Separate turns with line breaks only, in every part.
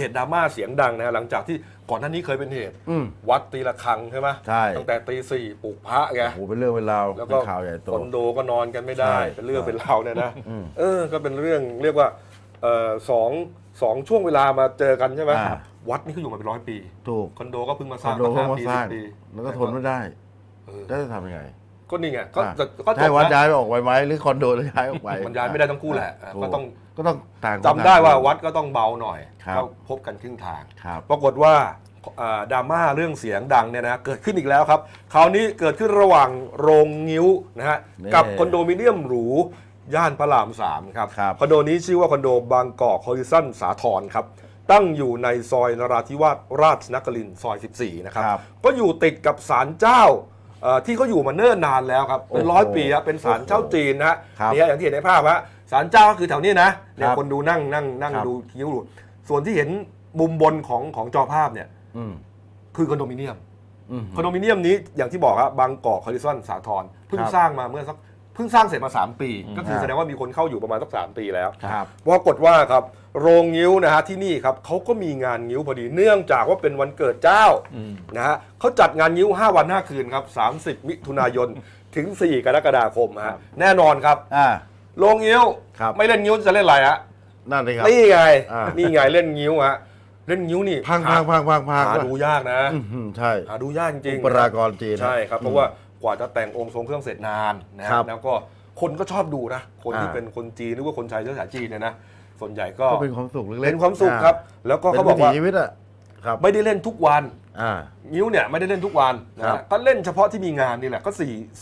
ตุดราม่าเสียงดังนะหลังจากที่ก่อนหน้านี้เคยเป็นเหตุวัดตีระฆังใช่ไหม
ใช่
ตั้งแต่ตี 4ปลุกพระไง
โอ้โหเป็นเรื่องเป็นราว
แล้วก็
เป็นข่าวใหญ่โต
คอนโดก็นอนกันไม่ได้
ใช่
เป็นเรื่องเป็นราวเนี่ยนะก็เป็นเรื่องเรียกว่าสองช่วงเวลามาเจอกันใช่ไหมวัดนี่เขาอยู่มาเป็น100 ปี
ถูก
คอนโดก็เพิ่งมาส
คอ
ร้าน ง
โดก็มาสร้าง
10 ปี
แล้วก็ทนไม่ได้แล้วจะทำยังไง
ก็นี่ไงก็จ
ให้
บ
วัด
นะ
ย้ายออกไปไหมหรือคอนโดจะย้ายออกไป
มันย้ายไม่ได้ทั้งคู่แหละ
ถู
ก็ต้อง
ต่าง
จำได้ว่าวัดก็ต้องเบาหน่อย
ครับ
ก็พบกันครึ่งทาง
ครับ
ปรากฏว่าดราม่าเรื่องเสียงดังเนี่ยนะเกิดขึ้นอีกแล้วครับคราวนี้เกิดขึ้นระหว่างโรงงิ้วนะฮะกับคอนโดมิเนียมหรูย่านพระราม3ครับคอนโดนี้ชื่อว่าคอนโดบางกอกฮอริซอนสาทรครับตั้งอยู่ในซอยนราธิวาสราชนครินทร์ซอย 14 นะครับก็อยู่ติดกับศาลเจ้าที่เขาอยู่มาเนิ่นนานแล้วครับเป็น100 ปีครับเป็นศาลเจ้าจีนนะฮะนี่อย่างที่เห็นในภาพฮะศาลเจ้าก็คือแถวนี้นะเนี่ยคนดูนั่งดูคิ้วดูส่วนที่เห็นมุมบนของจอภาพเนี่ยคือคอนโดมิเนียมคอนโดมิเนียมนี้อย่างที่บอกครับบางกอกฮอริซอนสาทรเพิ่งสร้างมาเมื่อสักเพิ่งสร้างเสร็จมา3 ปีก็คือแสดงว่ามีคนเข้าอยู่ประมาณสัก3 ปีแล้วปรากฏว่าครับโรงงิ้วนะฮะที่นี่ครับเขาก็มีงานงิ้วพอดีเนื่องจากว่าเป็นวันเกิดเจ้านะฮะเขาจัดงานงิ้ว5 วัน 5 คืนครับ30 มิถุนายนถึง4 กรกฎาคมฮะแน่นอนครับโรงงิ้วไม่เล่นงิ้วจะเล่นอะไรฮะ
นั่นเลยครับ
นี่ไงเล่นงิ้วฮะเล่นงิ้วนี่
พัง
หาดูยากนะ
ใช่
หาดูยากจริง
อุปรากรจีน
ใช่ครับเพราะว่ากว่าจะแต่งองค์ทรงเครื่องเสร็จนานนะครับแล้วก็คนก็ชอบดูนะคนที่เป็นคนจีนหรือว่าคนชายเชื้อสายจีนเนี่ยนะส่วนใหญ่ก็
เป็นความสุขเล็กๆ
เป็นความสุขครับแล้วก็เขาบอกว่า
ชีวิตอะ
ไม่ได้เล่นทุกวันงิ้วเนี่ยไม่ได้เล่นทุกวันนะก็เล่นเฉพาะที่มีงานนี่แหละก็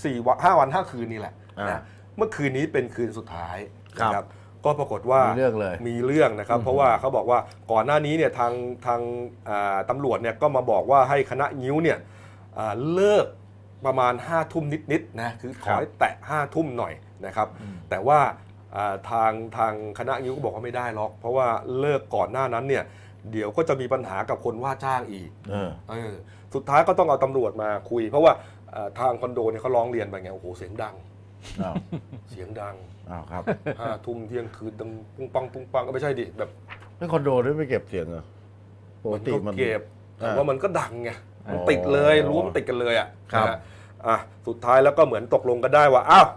5 วัน 5 คืนนี่แหละนะเมื่อคืนนี้เป็นคืนสุดท้ายนะครับก็ปรากฏว่ามีเรื่องนะครับเพราะว่าเขาบอกว่าก่อนหน้านี้เนี่ยทางตำรวจเนี่ยก็มาบอกว่าให้คณะงิ้วเนี่ยเลิกประมาณ5 ทุ่มนิดๆนะคือขอให้แตะ5 ทุ่มหน่อยนะครับแต่ว่าทางคณะงิ้วก็บอกว่าไม่ได้หรอกเพราะว่าเลิกก่อนหน้านั้นเนี่ยเดี๋ยวก็จะมีปัญหากับคนว่าจ้างอีกสุดท้ายก็ต้องเอาตำรวจมาคุยเพราะว่าทางคอนโดเนี่ยเขาร้องเรียนไปไงโอ้โหเสียงดัง
ครับ
5 ทุ่มเที่ยงคืนดังปุ้งปังก็ไม่ใช่ดิแบบ
ไม่คอนโดด้วยไม่เก็บเสียงเหรอปกติมัน
เก็บแต่ว่ามันก็ดังไงมันติดเลยรั้วมันติดกันเลยสุดท้ายแล้วก็เหมือนตกลงกันได้ว่าอ้าว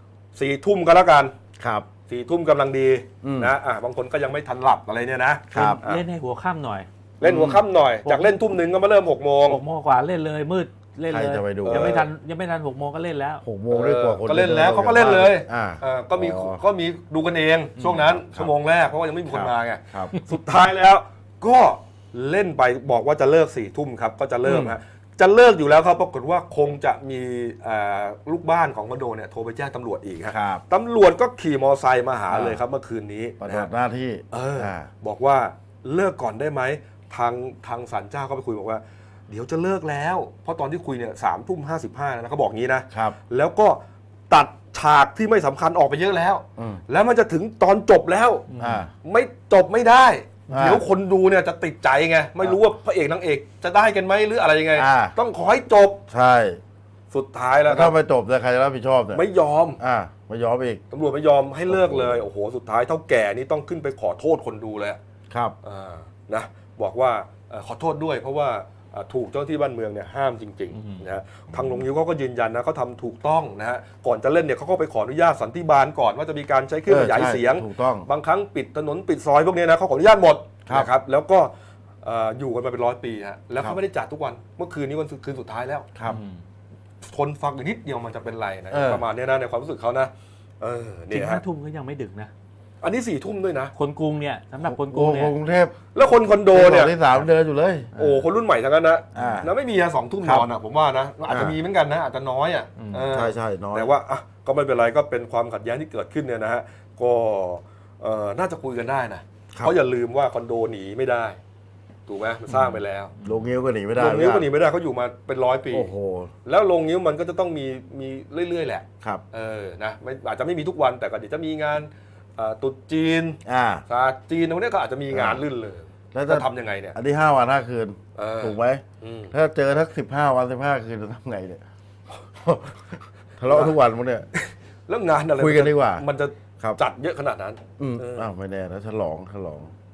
4 ทุ่มก็แล้วกัน
ครับ
4 ทุ่มกำลังดีนะบางคนก็ยังไม่ทันหลับอะไรเนี่ยนะครับ
เล่นให้หัวค่ำหน่อย
เล่นหัวค่ำหน่อยจากเล่น 1 ทุ่มก็มาเริ่ม6 โมง
กว่าเล่นเลยมืดเล่นเลยยังไม่ทัน6 โมงก็เล่นแล้ว
6 โมงด้วยกว่าคน
ก็เล่นแล้วเขาก็เล่นเลยก็มีดูกันเองช่วงนั้นชั่วโมงแรกเพราะว่ายังไม่มีคนมาไงสุดท้ายแล้วก็เล่นไปบอกว่าจะเลิก4 ทุ่มครับก็จะเริ่มฮะจะเลิกอยู่แล้วครับปรากฏว่าคงจะมีลูกบ้านของคอนโดเนี่ยโทรไปแจ้งตำรวจอีกครับตำรวจก็ขี่มอไซค์มาหาเลยครับเมื่อคืนนี้
ปฏิบัติหน้าที่
บอกว่าเลิกก่อนได้ไหมทางศาลเจ้าก็ไปคุยบอกว่าเดี๋ยวจะเลิกแล้วเพราะตอนที่คุยเนี่ย3:55นะเขาบอกงี้นะแล้วก็ตัดฉากที่ไม่สำคัญออกไปเยอะแล้วแล้วมันจะถึงตอนจบแล้วไม่จบไม่ได้เดี๋ยวคนดูเนี่ยจะติดใจไงไม่รู้ว่าพระเอกนางเอกจะได้กันไหมหรืออะไรยังไงต้องขอให้จบ
ใช่
สุดท้ายแล้ว
ถ้าไม่จบใครจะรับผิดชอบเนี่ย
ไม่ยอม
ไม่ยอมอีก
ตำรวจไม่ยอมให้เลิกเลยโอ้โหสุดท้ายเท่าแก่นี่ต้องขึ้นไปขอโทษคนดูเลย
ครับ
นะบอกว่าขอโทษด้วยเพราะว่าถูกเจ้าหน้าที่บ้านเมืองเนี่ยห้ามจริงๆนะทางโรงงิ้วเขาก็ยืนยันนะเขาทำถูกต้องนะฮะก่อนจะเล่นเนี่ยเขาก็ไปขออนุญาตสันติบาลก่อนว่าจะมีการใช้เครื่องขยายเสียงบางครั้งปิดถนนปิดซอยพวกนี้นะเขาขออนุญาตหมดนะครับแล้วก็อยู่กันมาเป็น100 ปีฮะแล้วเขาไม่ได้จัดทุกวันเมื่อคืนนี้วันคืนสุดท้ายแล้วทนฟังอีกนิดเดียวมันจะเป็นไรนะประมาณนี้นะในความรู้สึกเขานะ
จริง5 ทุ่มก็ยังไม่ดึกนะ
อันนี้4 ทุ่มด้วยนะ
คนกรุงเนี่ยสำหรับคนกรุงเนี่ย
กรุงเทพ
แล้วคนคอนโดเนี่ย
ที่3เดินอยู่เลย
โอ้คนรุ่นใหม่ทั้งนั้นนะแล้วไม่มี2 ทุ่มนอนผมว่านะอาจจะมีเหมือนกันนะอาจจะน้อย
ใช่น้อย
แต่ว่าก็ไม่เป็นไรก็เป็นความขัดแย้งที่เกิดขึ้นเนี่ยนะฮะก็น่าจะคุยกันได้นะเพราะอย่าลืมว่าคอนโดหนีไม่ได้ถูกไหมมันสร้างไปแล้ว
โรงงิ้วก็หนีไม่ได้
โรงงิ้วก็หนีไม่ได้เขาอยู่มาเป็น100 ปี
โอ้โห
แล้วโรงงิ้วมันก็จะต้องมีเรื่อยๆแหละ
ครับ
นะอาจจะไม่มีทุกวันแต่ก็เดี๋ยวจะมีงานตุ๊จีนศาสตร์จีนพวกนี้ก็อาจจะมีงานลื่นเลยแล้วจะทำยังไงเนี่ย
อันนี้5 วัน 5 คืนถูกไหมถ้าเจอทั้ง15 วัน 15 คืนจะทำไงเนี่ยทะเลาะทุกวันพวกเนี้ย
แล้วงานอะไร
คุยกันดีกว่า
มันจะจัดเยอะขนาดนั้น
ไม่แน่นะฉลอง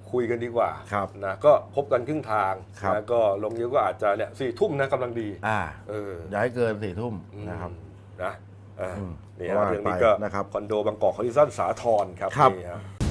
คุยกันดีกว่า
ครับ
นะก็พบกันครึ่งทาง
ครับ
นะก็ลงนิ้วก็อาจจะเนี่ย4 ทุ่มนะกำลังดี เออ
อย่าให้เกิน4 ทุ่มนะครับ
นะ
อืม
นี่
ว่า
เรื่องนี้
ไป
ก็
นะครับ
คอนโดบางกอกคอนดิซันสาทรครับ
ครับ
นี่ฮะ